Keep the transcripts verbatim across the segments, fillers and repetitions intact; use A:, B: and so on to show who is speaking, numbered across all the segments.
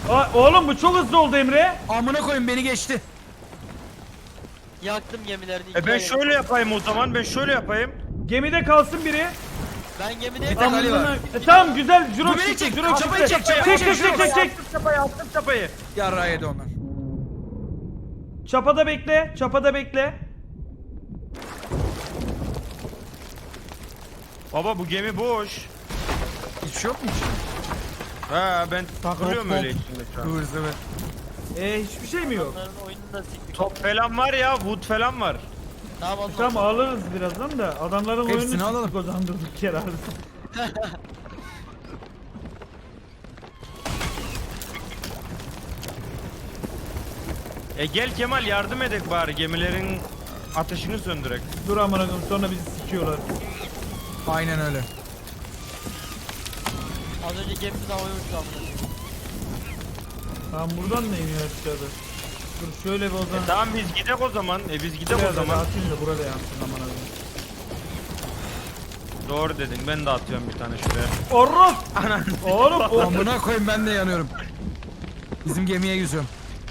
A: Aa, oğlum bu çok hızlı oldu Emre.
B: Amına koyun beni geçti.
C: Yaktım gemilerini.
D: E ben şöyle yapayım o zaman. Ben şöyle yapayım.
A: Gemide kalsın biri.
C: Ben gemide
B: Bir tek Ali var.
A: Amına- E, tamam güzel. Jurok
B: Bu beni
A: çıktı.
B: çek,
A: Jurok
B: çapayı
A: çıktı.
B: çek, çapayı
A: Çek
B: çek,
A: çek çek çek. çek.
D: Attım çapayı, attım çapayı.
B: Yarrağı yedi onlar.
A: Çapada bekle. Çapada bekle.
D: Baba bu gemi boş.
B: Hiç şey yok mu içinde?
D: Ha ben takılıyorum
B: Top,
D: öyle
B: top.
D: içinde şu an.
B: Kıvır zıvır.
A: E hiçbir şey mi yok?
C: onların oyununu da siktik.
D: Top falan var ya, wood falan var.
C: Tamam oğlum.
A: Tamam alırız birazdan da adamların
B: Hepsini
A: oyununu
B: alalım.
A: siktik o zaman durduk yere abi.
D: E gel Kemal yardım edek bari gemilerin ateşini söndürek.
A: Dur amına koyayım sonra bizi sikiyorlar.
B: Aynen öyle.
C: Az önce gemimiz havaya uçtu amına.
A: Tamam buradan da iniyor aşağıda. Dur şöyle bir o zaman.
D: E tamam biz gidek o zaman. E biz gidek
A: Buraya
D: o
A: da
D: zaman.
A: atayım da burada yansın amına koyayım.
D: Doğru dedin. Ben de atıyorum bir tane şuraya.
A: Orros! Oğlum o...
B: Amına koyun ben de yanıyorum. Bizim gemiye yüzüyorum.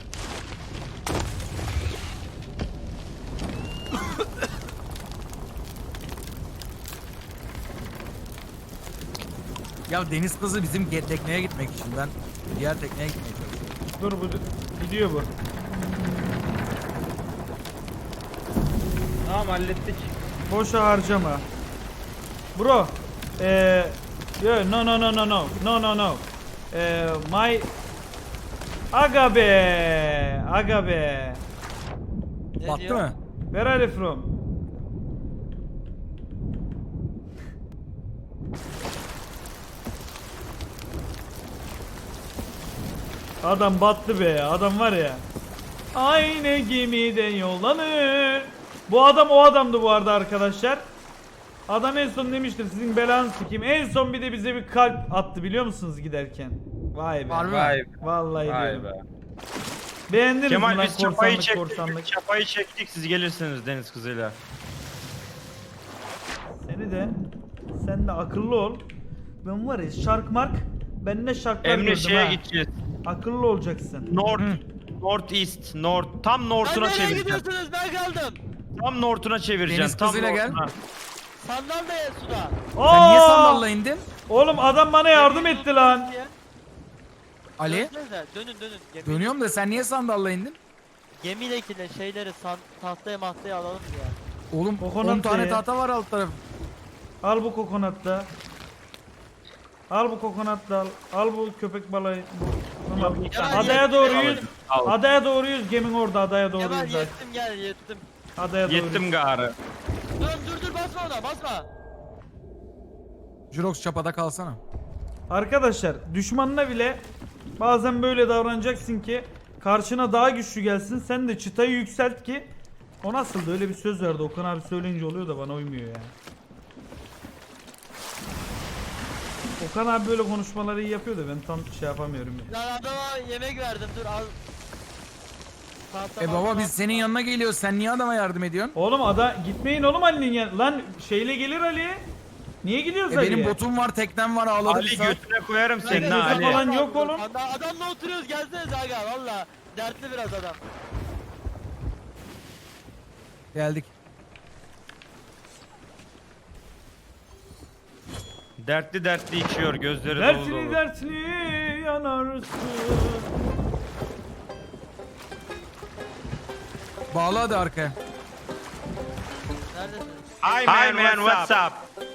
B: Ya deniz kızı bizim ge- tekneye gitmek için, ben diğer tekneye gitmeye çalışıyorum.
A: Dur bu gidiyor bu.
D: Tamam hallettik.
A: Boşa harcama. Bro. Eee... Yo, no no no no no. No no no. Eee my... Aga be. Aga be.
C: Ne
B: Battı
C: diyor?
B: mı?
A: Where are you from? Adam battı be. Adam var ya. Aynı gemide yollanır. Bu adam o adamdı bu arada arkadaşlar. Adam en son demiştir sizin belanızı sikeyim. En son bir de bize bir kalp attı biliyor musunuz giderken? Vay be.
B: Harbi mi?
D: Vay be.
A: Vallahi
D: Vay
A: diyorum.
D: be.
A: Beğendiniz mi
D: Kemal
A: lan
D: biz çapayı
A: korsanlık
D: çektik.
A: korsanlık?
D: Biz çapayı çektik. Siz gelirsiniz deniz kızıyla.
A: Seni de sen de akıllı ol. Ben var ya şark mark ben ne şarklar
D: Emre
A: gördüm
D: şeye
A: ha.
D: gideceğiz.
A: Akıllı olacaksın.
D: North. North East. North. Tam
C: Lan
D: north'una
C: nereye
D: çevireceğim.
C: gidiyorsunuz? Ben kaldım.
D: Tam north'una çevireceğim.
B: Deniz
D: Tam
B: kızıyla gel.
D: north'una.
C: Sandal da ya suda.
B: Sen niye
A: Aa!
B: sandalla indin?
A: Oğlum adam bana yardım etti lan.
B: Ali?
C: Dönsenize, Dönün dönün. Gemi,
B: Dönüyorum da sen niye sandalla indin?
C: Gemidekiler şeyleri san, tahtaya mahtaya alalım ya.
B: Oğlum
A: Kokonat
B: on tane
A: ye.
B: tahta var alt tarafı.
A: Al bu kokonatla. Al bu kokonatla al. Al bu köpek balığı. Bu. Tamam.
D: Yok,
C: Kemal,
A: Adaya
C: yettim,
A: doğru
C: Kemal.
A: yüz.
D: Al.
A: Adaya doğru yüz. Gemin orada adaya doğru
C: Kemal
A: yüz.
C: yettim gel yettim.
A: Adaya doğru.
D: Yettim garı.
C: Dur dur dur basma ona basma.
B: Jurox çapada kalsana.
A: Arkadaşlar düşmanına bile bazen böyle davranacaksın ki karşına daha güçlü gelsin. Sen de çıtayı yükselt ki o nasıldı öyle bir söz verdi Okan abi söyleyince oluyor da bana uymuyor ya. Okan abi böyle konuşmaları iyi yapıyor da ben tam şey yapamıyorum ya.
C: Lan adama yemek verdim dur al. Tahta
B: E baba
C: mahta-
B: biz senin yanına geliyoruz, sen niye adama yardım ediyorsun?
A: Oğlum ada gitmeyin oğlum Ali'nin yan. Lan şeyle gelir Ali. Niye gidiyoruz
B: E
A: Ali'ye?
B: benim botum var, teknem var, ağladı bir
D: Ali
B: saat.
D: götüne koyarım
C: Lan
D: seni
A: Senin
D: ha
A: götü
D: Ali.
A: falan yok oğlum.
C: Adam, adamla oturuyoruz gelsenize aga valla. Dertli biraz adam.
B: Geldik.
D: Dertli dertli içiyor gözleri dolu
A: Dertli
D: dolu.
A: dertli yanarsın.
B: Bağla hadi arkaya.
C: Neredesiniz?
D: Hi man, Hi man what's up?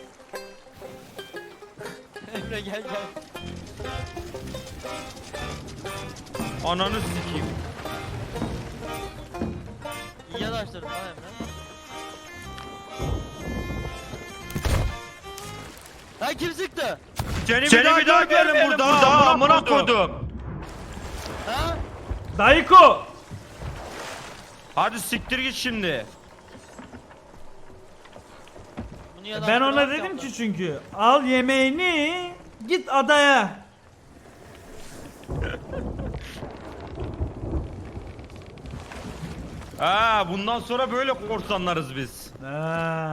C: Emre gel gel.
D: Ananı sikeyim.
C: İyi yanaştırdın lan Emre. Lan kim sıktı?
D: Seni, Seni bir daha görmeyelim burada, burada amına koydum.
C: Ha?
A: Dayıko.
D: Hadi siktir git şimdi.
C: Bunu
A: Ben
C: yanaştıran
A: ona
C: yok
A: dedim
C: yaptı.
A: ki çünkü al yemeğini git adaya.
D: Ha bundan sonra böyle korsanlarız biz.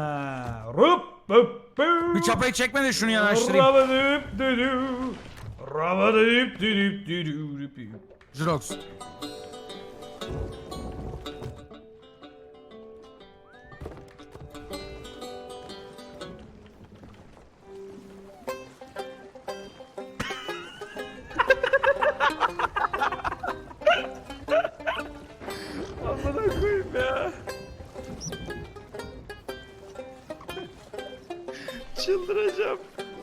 A: Ha, rup, rup, rup.
B: Bir çapayı çekme de şunu yanaştırayım.
A: Rabadüp düdü, Rabadayıp dürüp dürüp.
B: Jirox.
D: Amına koyayım ya. Çıldıracağım.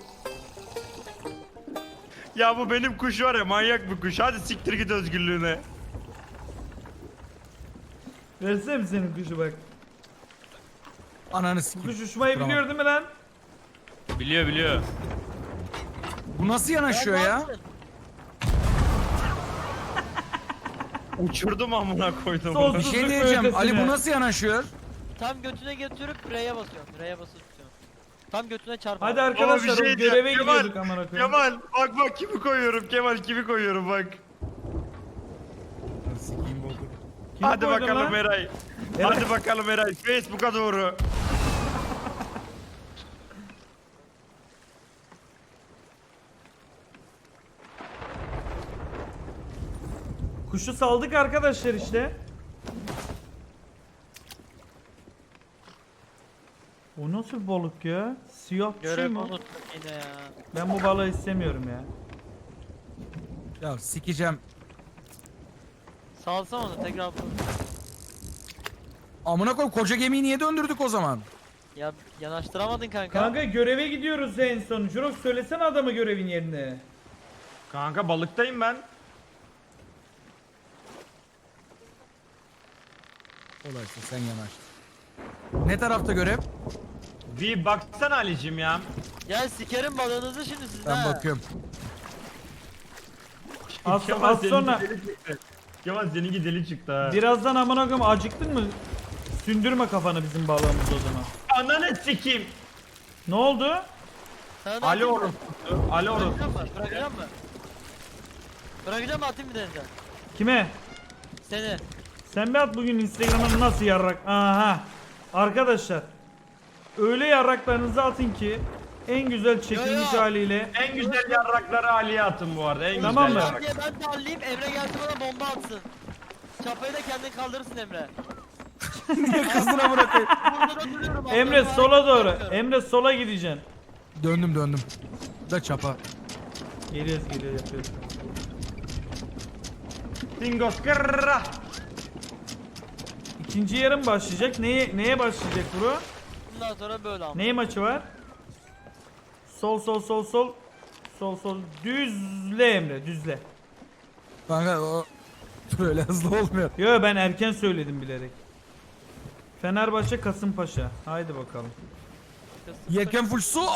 D: Ya bu benim kuş var ya, manyak bir kuş. Hadi siktir git özgürlüğüne.
A: Versene mi senin kuşu bak.
B: Ananı
A: Bu
B: sikeyim.
A: kuş uçmayı
B: Tamam.
A: biliyor değil mi lan?
D: Biliyor biliyor.
B: Bu nasıl yanaşıyor
C: ne
B: ya?
C: yaptın?
D: Uçurdum amına koydum.
A: Sos-
B: Bir şey
A: Tuzluk
B: diyeceğim.
A: ötesine.
B: Ali bu nasıl yanaşıyor?
C: Tam götüne götürüp R'ye basıyorsun. R'ye basıp tutuyorsun. Tam götüne çarp.
A: Hadi
C: abi.
A: arkadaşlar
D: Ama bir
A: o
D: şey
A: göreve
D: diyeceğim, Kemal,
A: gidiyorduk amına koyayım.
D: Kemal bak bak kimi koyuyorum, Kemal kimi koyuyorum bak.
B: Sikeyim oldu.
A: Kimi
D: Hadi
A: koydun
D: bakalım
A: lan?
D: Eray.
A: Eray.
D: Hadi bakalım Eray. Facebook'a doğru.
A: Kuşu saldık arkadaşlar işte. O nasıl bir balık ya? Siyah bir şey
C: Görev
A: mi?
C: unuttum yine ya.
A: Ben bu balığı istemiyorum ya.
B: Ya sikeceğim.
C: Salsana onu tekrar.
B: Amına koy, koca gemiyi niye döndürdük o zaman?
C: Ya yanaştıramadın kanka.
A: Kanka göreve gidiyoruz en son. Jurox söylesene adamı görevin yerine.
D: Kanka balıktayım ben.
B: Olaysın sen yanaştın. Ne tarafta görev?
D: Bir baksana Ali'cim ya.
C: Ya sikerim balığınızı şimdi sizden.
B: Ben
C: ha.
B: bakıyorum.
A: Az,
D: Kemal
A: az
D: seninki
A: sonra
D: deli çıktı. Kemal seninki deli çıktı ha.
A: birazdan amına koyayım acıktın mı? Sündürme kafanı bizim balığımız o zaman.
D: Ananı sikeyim.
A: Ne oldu?
C: Sana da
D: Ali
C: atayım mı?
D: orospusu. Ali orospusu.
C: Bırakacağım mı? Bırakacağım mı? Bırakacağım mı atayım mı denize?
A: Kime?
C: Seni.
A: Sen bir at bugün Instagram'a nasıl yarrak? Aha. Arkadaşlar. Öyle yarraklarınızı atın ki en güzel çekilmiş
C: Yo, yo.
A: haliyle.
D: En güzel yarrakları Ali'ye atın bu arada. En
A: Tamam
D: güzel
A: mı?
D: yarrak.
C: Diye ben de halledeyim, Emre geldi bana bomba atsın. Çapayı da kendin kaldırırsın Emre.
B: Kızdına bırakayım.
C: Burada da duruyorum.
A: Emre
C: Allah'ım,
A: sola doğru.
C: yapıyorum.
A: Emre sola gideceksin.
B: Döndüm döndüm. Da çapa.
A: Geliyoruz geliyoruz yapıyoruz.
D: Dingos kırra.
A: İkinci yarım başlayacak. Neye neye başlayacak bro?
C: Bundan sonra böyle ama.
A: Ney maçı var? Sol sol sol sol. Sol sol düzle Emre düzle.
B: Kanka o böyle hızlı olmuyor.
A: Yo ben erken söyledim bilerek. Fenerbahçe Kasımpaşa. Haydi bakalım.
B: Yelken full su.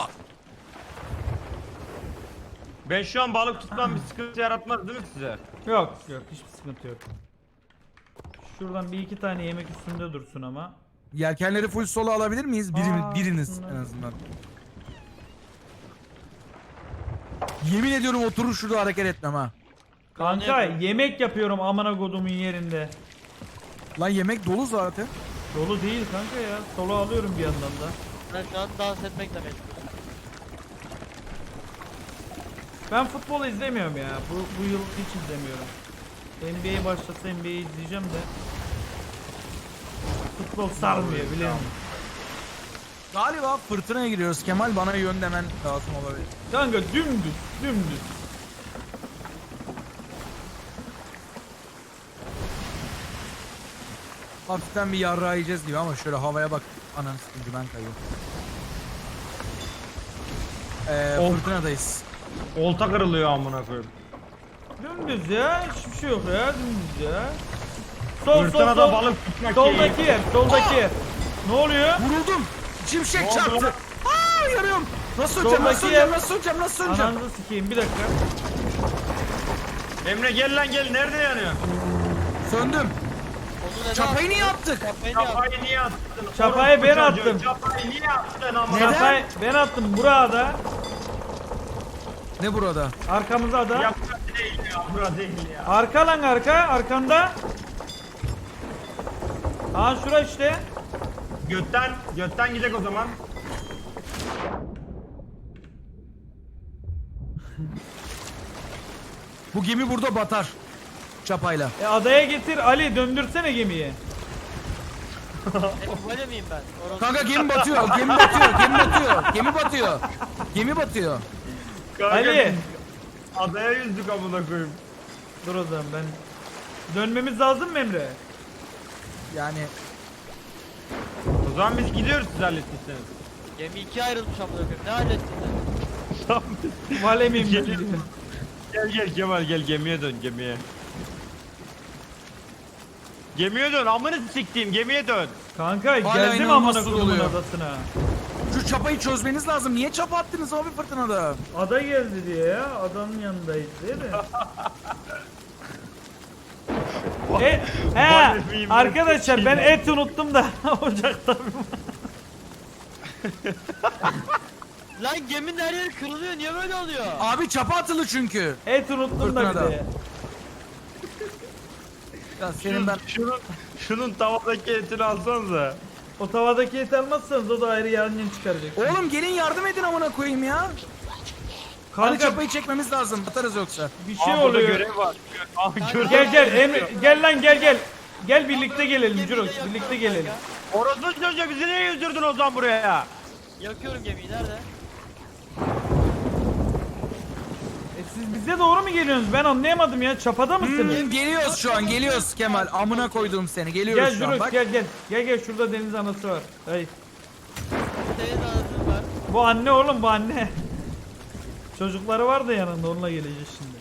D: Ben şu an balık tutmam bir sıkıntı yaratmaz değil mi size?
A: Yok yok hiçbir sıkıntı yok. Şuradan bir iki tane yemek üstünde dursun ama.
B: Yelkenleri full sola alabilir miyiz? Birimiz,
A: Aa,
B: biriniz
A: aslında.
B: en azından. Yemin ediyorum oturur şurada hareket etmem ha.
A: Kanka
C: yapıyorum.
A: yemek yapıyorum amına kodumun yerinde.
B: Lan yemek dolu zaten.
A: Dolu değil kanka ya. Solo alıyorum bir yandan da.
C: Ben şu an dans etmekle meşgulüm.
A: Ben futbol izlemiyorum ya. Bu, bu yıl hiç izlemiyorum. N B A başlasa N B A izleyeceğim de. Futbol sarmıyor biliyor musun?
B: Galiba fırtınaya giriyoruz. Kemal bana yön demen lazım olabilir.
A: Kanka dümdüz dümdüz.
B: Hafiften bir yarrağı yiyeceğiz gibi ama şöyle havaya bak. Ananı sıkıntı ben kayıyorum. Ee,
D: Of.
B: fırtınadayız.
D: Olta kırılıyor amına koyayım.
A: Dümdüz ya. Hiçbir şey yok ya. Dümdüz ya. Sol sol
D: Fırtınada
A: sol.
D: balık tutmak
A: Soldaki
D: keyif.
A: yer. Soldaki yer. Ne oluyor?
B: Vuruldum. Şimşek
D: Ne oldu
B: çarptı.
D: lan?
B: Aa yanıyorum. Nasıl öleceğim?
A: Soldaki
B: Nasıl öleceğim?
A: yer.
B: Nasıl öleceğim? Nasıl öleceğim?
A: Ananızı sikeyim bir dakika.
D: Emre gel lan gel, nerede yanıyor?
B: Söndüm.
C: Onu neden
B: Çapayı
C: attın?
B: niye attık?
C: Çapayı niye attın?
D: Çapayı niye attın?
A: Çapayı ben
D: Orospu çocuğu,
A: attım.
D: Çapayı niye attın amına?
B: Neden?
A: Çapayı ben attım burada.
B: Ne burada?
A: Arkamıza da.
D: Ya burası değil ya, burası değil ya.
A: Arka lan arka. Arkanda. Aa şura işte.
D: Götten, götten gidecek o zaman.
B: Bu gemi burada batar. Çapayla.
A: E adaya getir Ali, döndürsene gemiyi.
C: E, böyle miyim ben? Orası-
B: Kanka gemi batıyor, gemi batıyor, gemi batıyor, gemi batıyor. Gemi batıyor.
D: Kanka
A: Ali.
D: biz adaya yüzdük amına koyayım.
A: Dur o zaman ben. Dönmemiz lazım mı Emre?
B: Yani
D: O zaman biz gidiyoruz siz hallettiyseniz.
C: Gemi ikiye ayrılmış amına koyayım. Ne hallettin sen?
A: Valemiyim
D: Gel-
A: ben.
D: Gel gel Kemal gel gemiye dön gemiye. Gemiye dön amını siktiğim gemiye dön.
A: Kanka
B: Hala
A: geldim
B: inanılmaz
A: amına
B: su
A: kodumun
B: doluyor.
A: adasına.
B: şu çapayı çözmeniz lazım. Niye çapa attınız abi fırtınada?
A: Ada geldi diye ya. Adanın yanındayız değil mi? e, he,
D: Valemiyim ben,
A: arkadaşlar ben
D: sikeyim.
A: et unuttum da ocakta.
C: Lan geminin her yeri kırılıyor. Niye böyle oluyor?
B: Abi çapa atılı çünkü.
A: Et unuttum da bir
B: Fırtınada.
A: de.
B: Ya senin ben
D: Şunun, şunun tavadaki etini alsanıza.
A: O tavadaki et almazsanız o da ayrı yangın çıkaracak.
B: Oğlum gelin yardım edin amına koyayım ya. Hadi
A: Kanka
B: çapayı çekmemiz lazım. Atarız yoksa.
A: bir şey
D: Aa, burada
A: oluyor.
D: görev var. Aa, görev
A: Gel gel
D: var.
A: Emre gel lan gel gel. Gel birlikte gelelim
C: Gemiyi de
A: Jurox,
C: yakıyorum
A: birlikte gelelim.
C: kanka.
D: Orası çocuğa bizi niye yüzdürdün o zaman buraya?
C: Yakıyorum gemiyi. Nerede?
A: E siz bize doğru mu geliyorsunuz? Ben anlayamadım ya. Çapada mısınız?
B: Hmm, geliyoruz şu an geliyoruz Kemal. Amına koyduğum seni. Geliyoruz
A: Gel
B: şu an
A: Jurox
B: bak.
A: gel gel. Gel gel şurada deniz anası var. Hayır.
C: Deniz anasını var.
A: Bu anne oğlum bu anne. Çocukları var da yanında onunla geleceğiz şimdi.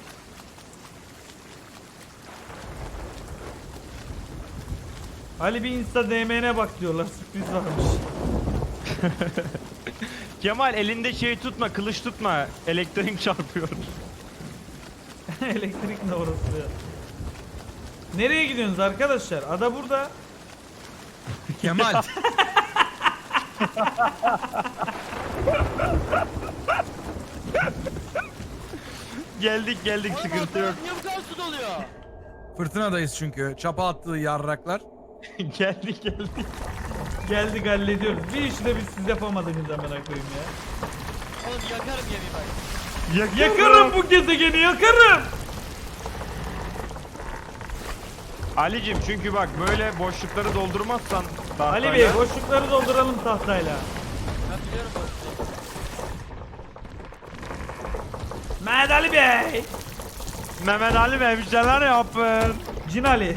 A: Ali bir insta D M'ne bak diyorlar, sürpriz varmış.
D: Kemal elinde şey tutma, kılıç tutma. Elektrik çarpıyor.
A: Elektrik ne orası ya? Nereye gidiyorsunuz arkadaşlar? Ada burada.
B: Kemal.
D: Geldik geldik
C: Oğlum
D: sıkıntı yok.
C: altına niye bu kadar su doluyor?
B: Fırtınadayız çünkü. Çapa attığı yarraklar.
D: geldik geldik.
A: Geldik hallediyoruz. Bir işi de biz siz yapamadınız amına koyayım ya.
C: Oğlum yakarım gemiyi bak.
A: Yakarım bu gezegeni yakarım.
D: Alicim çünkü bak böyle boşlukları doldurmazsan tahtayla-
A: Ali Bey boşlukları dolduralım tahtayla.
C: Ben biliyorum boşluğu.
A: Mehmet Ali Bey.
D: Mehmet Ali Bey bir şeyler yapın.
A: Cin Ali.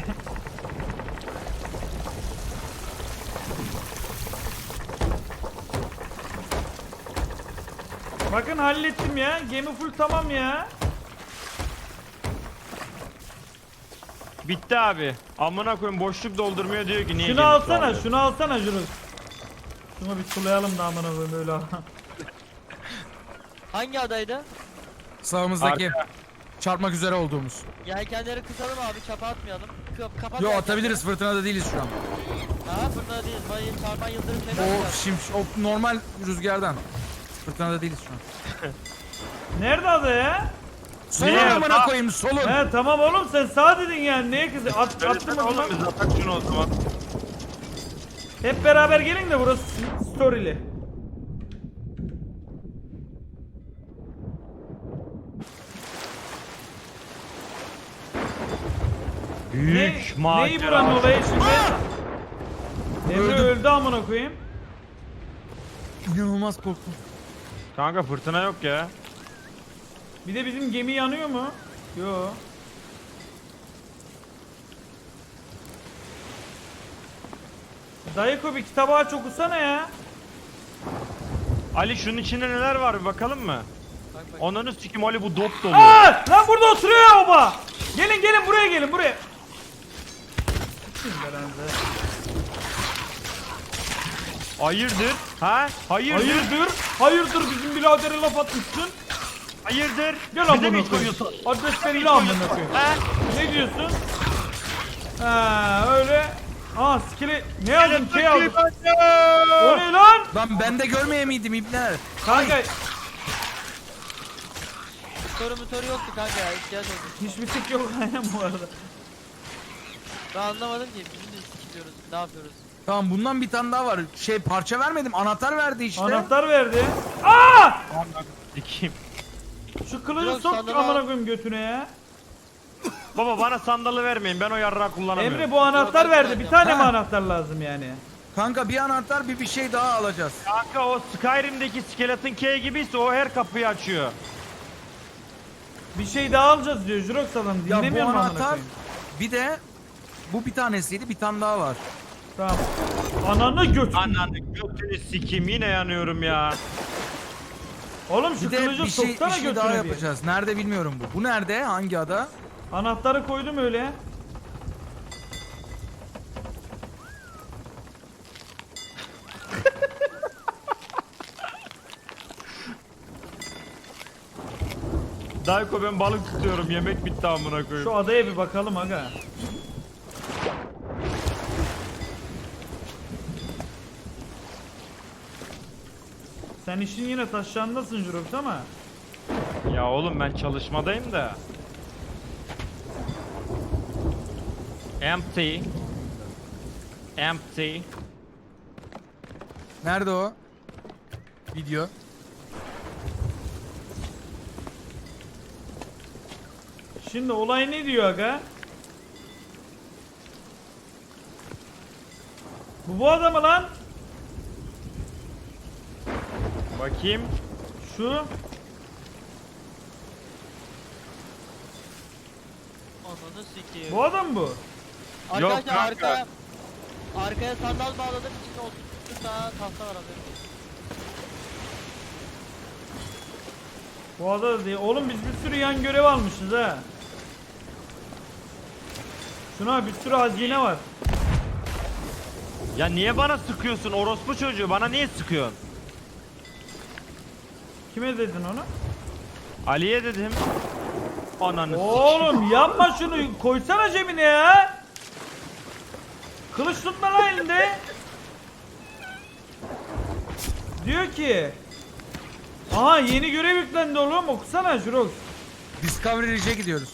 A: Bakın hallettim ya. Gemi full tamam ya.
D: Bitti abi. Amına koyayım boşluk doldurmuyor diyor ki niye
A: Şunu
D: gemisi
A: alsana,
D: almıyor?
A: şunu alsana Jurus. Şunu bir sulayalım da amına koyayım öyle.
C: Hangi adaydı?
B: Sağımızdaki.
D: Arka.
B: Çarpmak üzere olduğumuz.
C: Yelkenleri kısalım abi. Çapa atmayalım. Kap kapat.
B: Yo
C: yelkenleri.
B: atabiliriz, fırtınada değiliz şu an.
C: Ha fırtına değiliz. Bana çarpan yıldırım şeyler
B: O
C: var.
B: şim, o normal rüzgardan. Fırtınada değiliz şu an.
A: Nerede ada ya?
B: Solun
D: Niye?
B: amına
D: Aa.
B: koyayım solun.
A: He tamam oğlum sen sağ dedin yani neye kızı? At, attım
D: Söylesene
A: o zaman.
D: oğlum biz atak şunu o zaman.
A: Hep beraber gelin de burası storyli. Ne,
D: Büyük macera.
A: neyi buranın olayı şimdi? Emre
B: Öldüm.
A: öldü amına koyayım.
B: İnanılmaz korktum.
D: Kanka fırtına yok ya.
A: Bir de bizim gemi yanıyor mu? Yo. Dayıko bir kitabı aç okusana ya.
D: Ali şunun içinde neler var bir bakalım mı?
C: Bak bak.
D: Onunu sikim Ali bu dop dolu.
A: Aa! Lan burada oturuyor ya oba. Gelin gelin buraya gelin buraya. Kim belanızı?
D: Hayırdır? Ha? Hayırdır?
A: Hayırdır? Hayırdır bizim biradere laf atmışsın.
D: Hayırdır?
A: Gel
D: Bize mi
A: amına
D: hiç
A: koyayım.
D: koyuyorsun?
A: Adres belli amına koyayım.
D: Ha?
A: Ne diyorsun? Ha öyle. Aa skili ne yazdın şey aldım. O ne lan?
B: Lan ben de görmeye miydim ibneler?
A: Kanka
C: Motoru motoru yoktu kanka ya. İhtiyaç oldu.
A: hiçbir tek yok aynen bu arada.
C: Ben anlamadım ki. Bizim de sikiliyoruz. Ne yapıyoruz?
B: Tamam bundan bir tane daha var. Şey parça vermedim, anahtar verdi işte.
A: Anahtar verdi. Aa!
D: Sikim.
A: Şu kılıcı
C: Yok,
A: sok
C: sandığı
A: amına
C: al.
A: koyayım götüne ya.
D: Baba bana sandalı vermeyin, ben o yarrağı kullanamıyorum.
A: Emre bu anahtar
C: ben
A: verdi. Bir
C: kullanacağım.
A: tane mi
B: Ha.
A: anahtar lazım yani?
B: Kanka bir anahtar bir bir şey daha alacağız.
D: Kanka o Skyrim'deki Skeleton Key gibiyse o her kapıyı açıyor.
A: Bir şey daha alacağız diyor Jurox adam.
B: Ya bu
A: Dinlemiyor mu amına
B: anahtar
A: koyayım?
B: bir de bu bir tanesiydi, bir tane daha var.
A: Tamam. Ananı götür.
D: Ananı götünü sikeyim, yine yanıyorum ya.
A: Oğlum şu
B: Bir de
A: kılıcı
B: bir şey,
A: soksana
B: bir şey
A: götüne
B: daha
A: bir.
B: yapacağız. Nerede bilmiyorum bu. Bu nerede? Hangi ada?
A: Anahtarı koydum öyle.
D: Dayko ben balık tutuyorum, yemek bitti amına koyayım.
A: Şu adaya bir bakalım aga. Sen işin yine taşlarındasın Jurox ama.
D: Ya oğlum ben çalışmadayım da. Empty. Empty.
B: Nerede o? Video.
A: Şimdi olay ne diyor aga? Bu bu adamı lan.
D: Bakayım.
A: Şu.
C: Ananı sikeyim.
A: Bu adam bu.
D: Yok
C: Arkadaşlar
D: kanka.
C: arkaya arkaya sandal bağladım, içinde otuz tane tahta var abi.
A: Bu adam değil. Oğlum biz bir sürü yan görev almışız ha. Şuna bir sürü hazine var.
D: Ya niye bana sıkıyorsun orospu çocuğu? Bana niye sıkıyorsun?
A: Kime dedin onu?
D: Ali'ye dedim. Ananı
A: Oğlum yapma şunu. Koysana cebine ya. Kılıç tutma lan elinde. Diyor ki. Aha yeni görev yüklendi oğlum. Okusana Jurox.
B: Discovery Ridge'e gidiyoruz.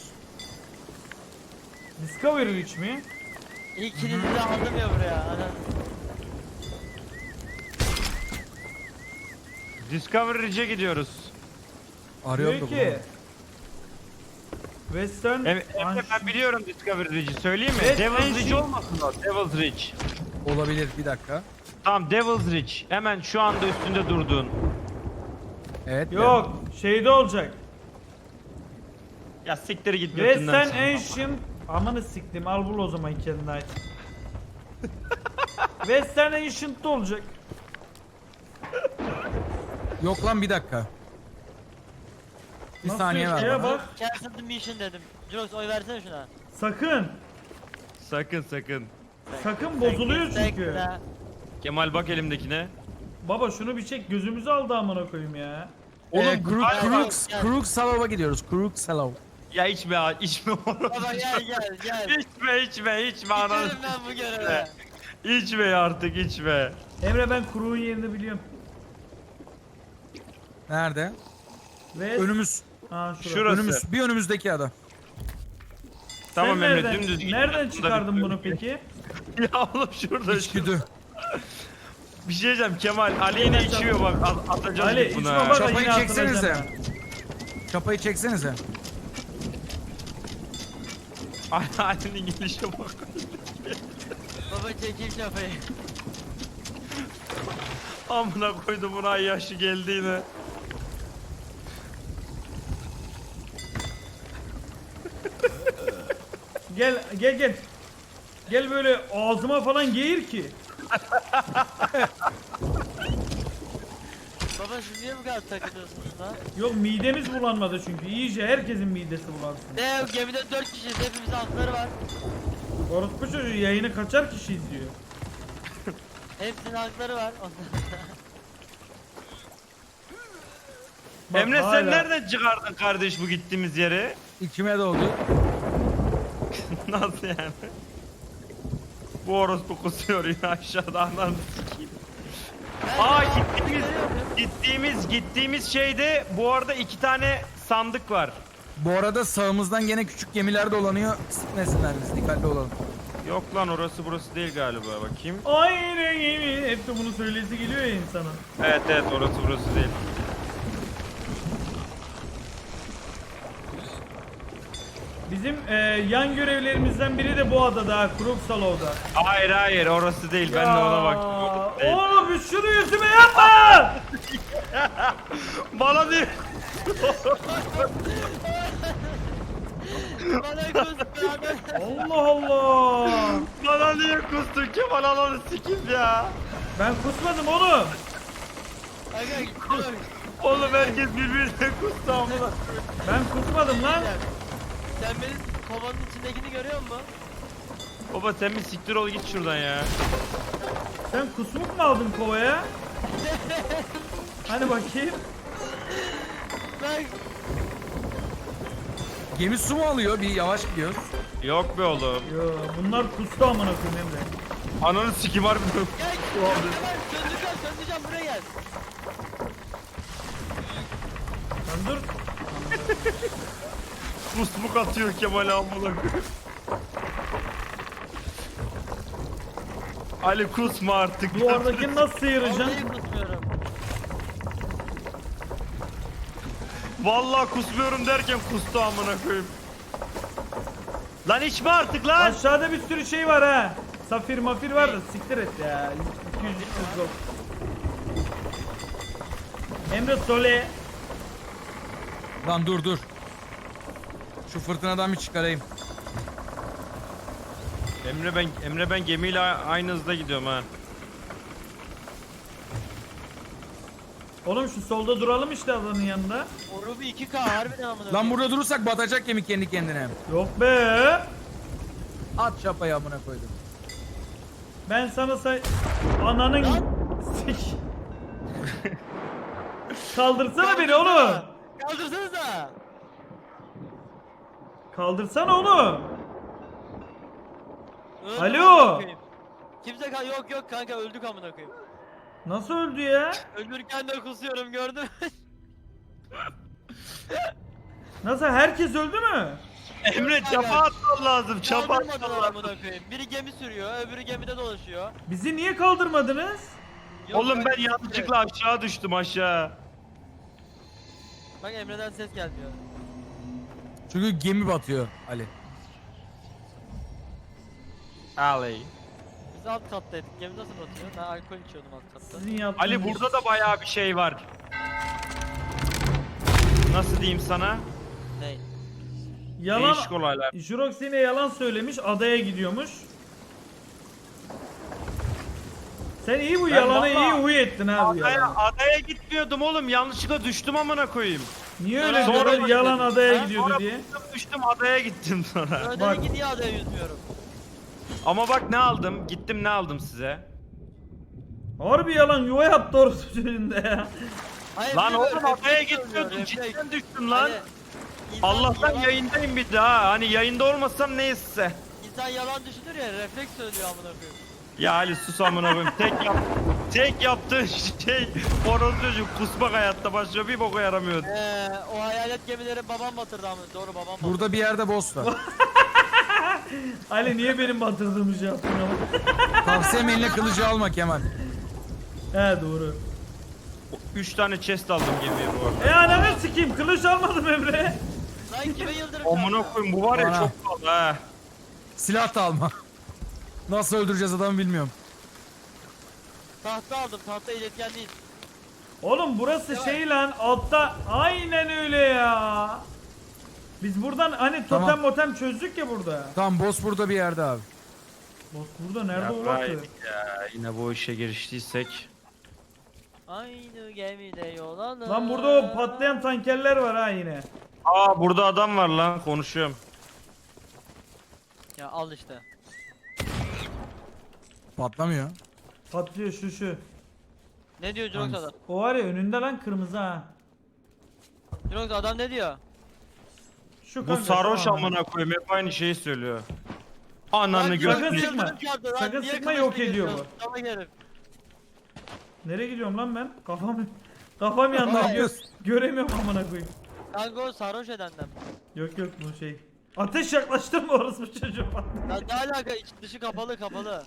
A: Discovery Reach mi?
C: İkinizi de aldım ya buraya. Ana.
D: Discovery Ridge'e gidiyoruz.
B: Arıyorum
A: Diyor
B: da
A: ki. Western
D: Evet, evet ben
A: Ancient-
D: biliyorum Discovery Ridge'i. Söyleyeyim mi?
A: Evet,
D: Devil's
A: ben
D: Ridge
A: şey-
D: olmasın o? Devil's Ridge.
B: bunu. Olabilir, bir dakika.
D: Tamam Devil's Ridge. Hemen şu anda üstünde durduğun.
B: Evet.
A: Yok şeyde olacak.
D: Ya siktir git götünden.
A: Western Ancient. Amanı siktim al bul o zaman kendine ait. Western Ancient'ta olacak.
B: ben- Yok lan bir dakika. Bir
A: Nasıl
B: saniye
A: yok
B: ver
A: ya,
B: bana.
A: bak.
C: Cancel the mission dedim. Jirox oy versene şuna.
A: Sakın.
D: Sakın sakın.
A: Sakın bozuluyor çünkü.
C: Bekle.
D: Kemal bak elimdekine.
A: Baba şunu bir çek gözümüzü aldı amına koyayım ya.
B: Oğlum
D: Oğlum,
B: Kruk,
D: gel,
B: Krux,
C: gel.
B: Krux Salov'a gidiyoruz. Krux Salov.
D: Ya içme ha, içme oğlum.
C: Baba gel gel gel.
D: İçme içme içme ananı.
C: Gidelim ben bu göreve.
D: İçme artık içme.
A: Emre ben kuruğun yerini biliyorum.
B: Nerede?
A: Ve
B: Önümüz.
A: ha şurada.
D: Şurası.
B: Önümüz. Bir önümüzdeki ada.
D: Tamam
A: Sen
D: Emre
A: nereden,
D: dümdüz git.
A: nereden
D: Şurada
A: çıkardın
D: bir-
A: bunu peki?
D: Ya oğlum şurada şurada.
B: İçgüdü.
D: Bir şey diyeceğim Kemal. Ali yine içiyor bak at- atacağız
A: Ali,
D: buna.
A: içme bak.
B: Çapayı
A: yine
B: çeksenize.
A: hatırlayacağım
B: Çapayı çeksenize.
D: Ali'nin gelişe bak.
C: Baba çekil şafayı.
D: Amına koydum buna yaşı geldi yine.
A: Gel gel gel. Gel böyle ağzıma falan geğir ki.
C: Baba siz niye bu kadar takılıyorsunuz lan?
A: Yok midemiz bulanmadı çünkü. İyice herkesin midesi bulansın.
C: Ne gemide dört kişiyiz, hepimizin hakları var.
A: Orospu çocuğu yayını kaçar kişi izliyor.
C: Hepsinin hakları var.
A: Bak
D: Emre
A: hala-
D: sen nereden çıkardın kardeş bu gittiğimiz yere?
B: İçime doğdu.
D: Nasıl yani? Bu orospu kusuyor yine aşağıda ananı sikeyim. Aa gittiğimiz gittiğimiz gittiğimiz şeyde bu arada iki tane sandık var.
B: Bu arada sağımızdan gene küçük gemiler dolanıyor. Sıkmasınlar biz, dikkatli olalım.
D: Yok lan orası burası değil galiba bakayım.
A: Aynı gibi. Hep de bunu söylesi geliyor ya insana.
D: Evet evet orası burası değil.
A: bizim e, yan görevlerimizden biri de bu adada ha, Kruksalov'da.
D: Hayır hayır orası değil ben de ona baktım. Orası değil.
A: Oğlum şunu yüzüme yapma!
D: Bana değil.
C: Bana kız beraber.
A: Allah Allah!
D: Bana niye kustun Kemal alanı sikim ya.
A: Ben kusmadım oğlum.
C: Aga gidiyorum.
D: Oğlum herkes birbirine kustu amına.
A: Ben kusmadım lan.
C: Sen benim kovanın içindekini görüyor musun?
D: Baba sen bir siktir ol git şuradan ya.
A: Sen kusmuk mu aldın kovaya? Hani bakayım.
C: Ben
B: Gemi su mu alıyor? Bir yavaş gidiyoruz.
D: Yok be oğlum.
A: Yo, bunlar kustu amına koyayım Emre.
D: Ananı sikim harbi.
C: gel gel söndüreceğim söndüreceğim buraya gel.
A: Sen dur.
D: Kusmuk atıyor Kemal amına. Ali kusma artık.
A: Bu oradakini nasıl sıyıracaksın?
C: Vallahi kusmuyorum.
D: Vallahi kusmuyorum derken kustu amına koyayım. Lan içme artık lan.
A: Aşağıda bir sürü şey var ha. Safir mafir var da siktir et ya. iki yüz üç yüz yok. Emre Sole.
B: Lan dur dur. Şu fırtınadan bir çıkarayım.
D: Emre ben Emre ben gemiyle aynı hızda gidiyorum ha.
A: Oğlum şu solda duralım işte adanın yanında.
C: O Ruby iki K harbiden amına.
B: Lan
C: koyayım.
B: burada durursak batacak gemi kendi kendine.
A: Yok be.
B: At çapayı amına koydum.
A: Ben sana say... Ananın... Sik. Kaldırsana beni oğlum.
C: Kaldırsanıza.
A: Kaldırsana oğlum.
C: Öldüm
A: Alo.
C: amına koyayım. Kimse kal yok yok kanka öldük amına koyayım.
A: Nasıl öldü ya?
C: Ölürken de kusuyorum gördün mü?
A: Nasıl herkes öldü mü?
D: Emre çapa atman lazım. Çapa atman
C: Kaldırmadılar
D: lazım.
C: amına koyayım. Biri gemi sürüyor, öbürü gemide dolaşıyor.
A: Bizi niye kaldırmadınız?
C: Yok,
D: Oğlum ben
C: bak-
D: yanlışlıkla aşağı düştüm aşağı.
C: Bak Emre'den ses gelmiyor.
B: Çünkü gemi batıyor Ali.
D: Ali.
C: Biz alt kattaydık. Gemi nasıl batıyor? Ben alkol içiyordum alt katta.
A: Sizin yaptığınız...
D: Ali burada da bayağı bir şey var. Nasıl diyeyim sana?
C: Ney?
A: Yalan...
D: Değişik olaylar.
A: Jurox yine yalan söylemiş, adaya gidiyormuş. Sen iyi bu
D: Ben
A: yalanı
D: vallahi-
A: iyi huy ettin ha bu
D: Adaya,
A: yalanı.
D: adaya gitmiyordum oğlum. Yanlışlıkla düştüm amına koyayım.
A: Niye
C: Sonra-
A: öyle
C: Sonra-
A: diyorlar yalan adaya
C: Ha?
A: gidiyordu
D: Sonra
A: diye?
D: düştüm, düştüm adaya gittim sonra.
C: Öyle
A: Bak.
C: dedi ki niye adaya yüzmüyorum?
D: Ama bak ne aldım. Gittim ne aldım size.
A: Harbi yalan yuva yaptı orası çocuğunda ya.
C: Hayır,
D: Lan
C: bir de
D: oğlum
C: refleks
D: adaya
C: söylüyor,
D: gitmiyordum.
C: refleks.
D: Cidden düştüm lan.
C: Hani insan
D: Allah'tan
C: yalan-
D: yayındayım bir daha. Hani yayında olmasam neyse.
C: İnsan yalan düşünür ya, refleks söylüyor amına koyayım.
D: Ya Ali sus amına koyayım. Tek yap tek yaptığın şey horoz çocuk kusmak hayatta başlıyor bir boka yaramıyordu.
C: Eee o hayalet gemileri babam batırdı amına. Doğru babam batırdı.
B: Burada bir yerde boss var.
A: Ali niye benim batırdığımı şey yaptın ama?
B: Tavsiyem eline kılıcı alma Kemal.
A: He doğru.
D: Üç tane chest aldım gemiye bu arada.
A: E ananı sikeyim kılıç almadım Emre.
C: Lan kime yıldırım
D: Amına
C: çarptı?
D: koyayım bu var ya
B: Bana.
D: çok pahalı ha.
B: Silah da alma. Nasıl öldüreceğiz adamı bilmiyorum.
C: Tahta aldım, tahta iletken değil.
A: Oğlum burası şey lan altta aynen öyle ya. Biz buradan hani totem
B: Tamam.
A: motem çözdük ya burada.
B: Tamam boss burada bir yerde abi.
A: Bak burada nerede
D: Ya,
A: olası?
D: yedik ya yine bu işe giriştiysek.
C: Aynı gemide yol alır.
A: Lan burada o patlayan tankerler var ha yine.
D: Aa burada adam var lan konuşuyorum.
C: Ya al işte.
B: Patlamıyor.
A: Patlıyor şu şu.
C: Ne diyor Jurox adam?
A: O var ya önünde lan kırmızı ha.
C: Jurox adam ne diyor?
A: Şu
D: Bu
A: kanka,
D: sarhoş
A: tamam.
D: amına koyayım hep aynı şeyi söylüyor. Ananı
C: Lan
A: sakın
D: götünü.
A: sıkma.
C: yıldırım çarptı lan,
A: Sakın
C: niye
A: sıkma,
C: kılıçla
A: yok ediyor
C: geziyorsun? Salak herif.
A: Nereye gidiyorum lan ben? Kafam kafam yandı.
B: Ne
A: Gö
B: yapıyorsun?
A: göremiyorum amına koyayım.
C: Kanka o sarhoş edenden.
A: Yok yok bu şey. Ateş yaklaştırma orası bu çocuğu.
C: Lan ne alaka, iç dışı kapalı kapalı.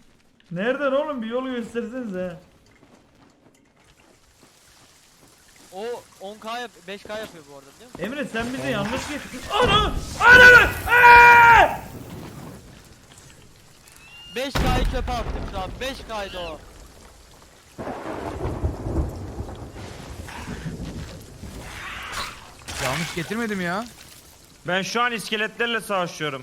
A: Nereden oğlum bir yolu göstersenize.
C: O on K yap beş K yapıyor bu arada biliyor musun?
A: Emre sen bize yanlış getirdin. Ana! Ana! Aa!
C: beş K'yı çöpe attık şu an. beş K'ydı o.
B: Yanlış getirmedim ya.
D: Ben şu an iskeletlerle savaşıyorum.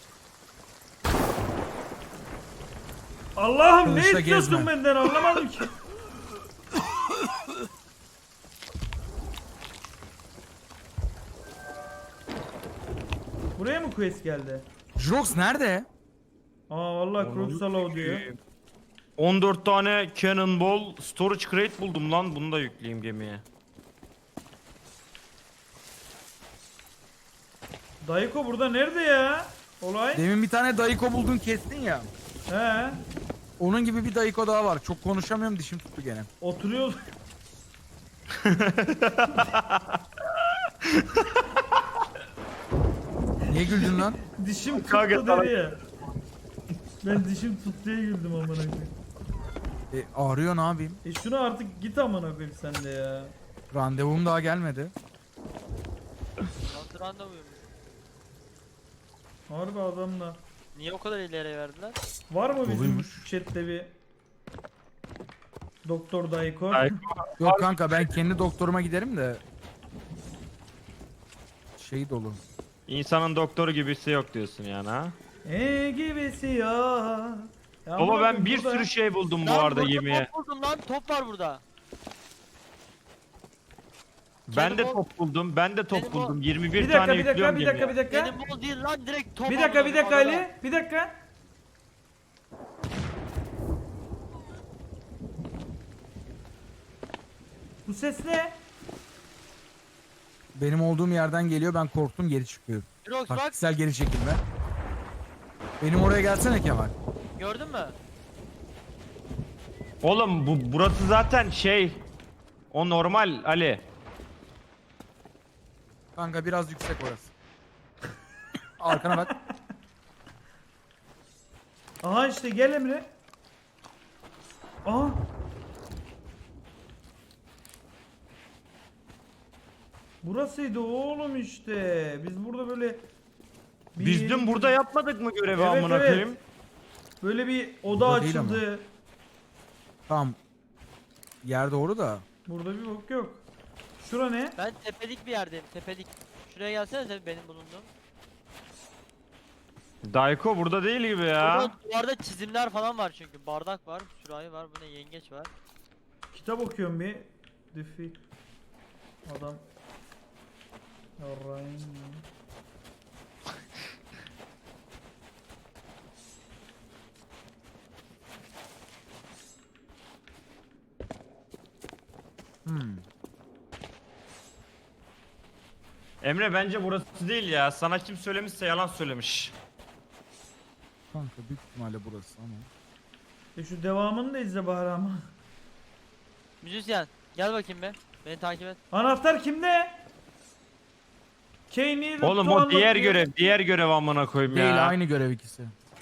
A: Allah'ım ne
B: Kılıçla
A: istiyorsun
B: gezme.
A: benden anlamadım ki. Buraya mı quest geldi?
B: Jrox nerede?
A: Aa vallahi Kroksalov diyor.
D: on dört tane cannonball storage crate buldum lan. Bunu da yükleyeyim gemiye.
A: Dayıko burada nerede ya? Olay?
B: Demin bir tane dayıko buldun kestin ya.
A: He.
B: Onun gibi bir dayıko daha var. Çok konuşamıyorum, dişim tuttu gene.
A: Oturuyor.
B: Niye güldün lan?
A: Dişim tuttu
D: Kanka,
A: dedi ya. Ben dişim tut diye güldüm amına koyayım.
B: E, ağrıyor, ne yapayım?
A: E şunu artık git amına koyayım sen de ya.
B: Randevum daha gelmedi.
C: Nasıl randevuyum?
A: Harbi adamla.
C: Niye o kadar ileri verdiler?
A: Var mı bizim
B: Doluymuş.
A: chatte bir Doktor Dayko?
D: Ay,
B: Yok kanka, ben kendi doktoruma giderim de. Şey dolu.
D: İnsanın doktoru gibisi yok diyorsun yani ha.
A: E gibisi ya. Ya
D: Baba
A: amına
D: ben
A: koyayım
D: bir
A: burada-
D: sürü şey buldum bu
C: Lan
D: arada
C: burada
D: gemiye.
C: top buldum lan, top var burada.
D: Ben de
C: Cannonball-
D: top buldum. Ben de top
C: Cannonball-
D: buldum. yirmi bir
A: Bir dakika
D: tane
A: bir dakika
D: yüklüyorum
A: bir dakika bir
D: gemiye.
A: dakika.
C: Benim bol değil lan, direkt top
A: Bir dakika bir
C: aldım
A: dakika
C: adamdan.
A: Ali. Bir dakika. Bu ses ne?
B: Benim olduğum yerden geliyor, ben korktum, geri çıkıyorum.
C: Jirox bak,
B: Taktiksel geri çekilme. Benim oraya gelsene Kemal.
C: gördün mü?
D: Oğlum bu burası zaten şey. O normal Ali.
B: Kanka biraz yüksek orası. Arkana bak.
A: Aha işte gel Emre. Aha. Burasıydı oğlum işte. Biz burada böyle bir
D: Biz
A: yeri-
D: dün burada yapmadık mı görevi
A: Evet,
D: amına
A: evet.
D: koyayım?
A: böyle bir oda
B: Burada değil
A: açıldı.
B: Tamam. Yer doğru da.
A: Burada bir bok yok. Şura ne?
C: Ben tepelik bir yerdeyim, tepelik. Şuraya gelsene sen, benim bulunduğum.
D: Dayko burada değil gibi ya.
C: Burada duvarda çizimler falan var çünkü. Bardak var, sürahi var, bu ne, yengeç var.
A: Kitap okuyorum bir. Diffi. Adam. Yarrayım ya.
B: Hmm.
D: Emre bence burası değil ya. Sana kim söylemişse yalan söylemiş.
B: Kanka büyük ihtimalle burası ama.
A: E şu devamını da izle bari ama.
C: Müzisyen, gel bakayım be. Beni takip et.
A: Anahtar kimde? Kane'i
D: Oğlum o diğer görev, diğer görev amına koyayım ya.
B: Değil, aynı görev ikisi.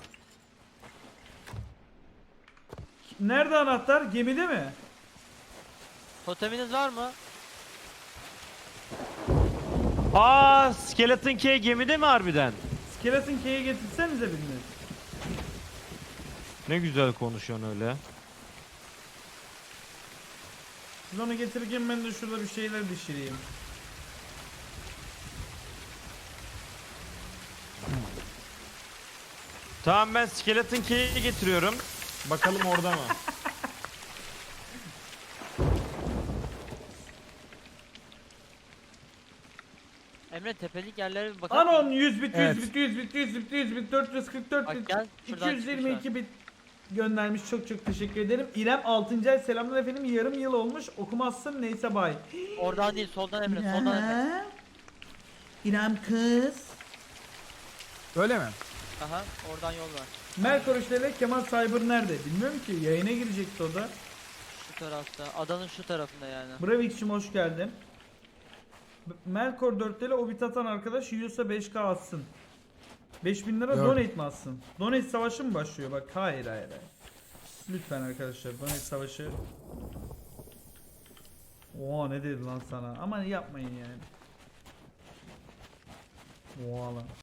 A: Nerede anahtar? Gemide mi?
C: Toteminiz var mı?
D: Aa, Skeleton Key gemide mi harbiden?
A: Skeleton Key'i getirsenize biriniz.
D: Ne güzel konuşuyorsun öyle.
A: Siz onu getirirken ben de şurada bir şeyler düşüreyim.
D: Tamam ben Skeleton Key'i getiriyorum. Bakalım orada mı?
C: Emre, tepelik yerlere bir bakar
A: Anon
C: mısın?
A: yüz bit,
B: Evet.
A: yüz bit, yüz bit, yüz bit, yüz bit, dört yüz kırk dört
C: Bak
A: bit,
C: gel, şuradan
A: iki yüz yirmi iki bit göndermiş. Çok çok teşekkür ederim. İrem altıncı ay selamlar efendim. Yarım yıl olmuş. Okumazsın neyse bay.
C: Oradan değil, soldan Emre, soldan Emre.
A: İrem. İrem kız.
B: Öyle mi?
C: Aha, oradan yol var.
A: Melkor ile Kemal Cyber nerede? Bilmiyorum ki. Yayına girecekti o da.
C: Şu tarafta, adanın şu tarafında yani.
A: Bravik'cim hoş geldin. B- Melkor dört ile o bit atan arkadaş yiyorsa beş K atsın. beş bin lira
B: Yok.
A: donate mi atsın? Donate savaşı mı başlıyor? Bak hayır hayır hayır. Lütfen arkadaşlar donate savaşı. Oha ne dedi lan sana? Ama yapmayın yani. Oha lan.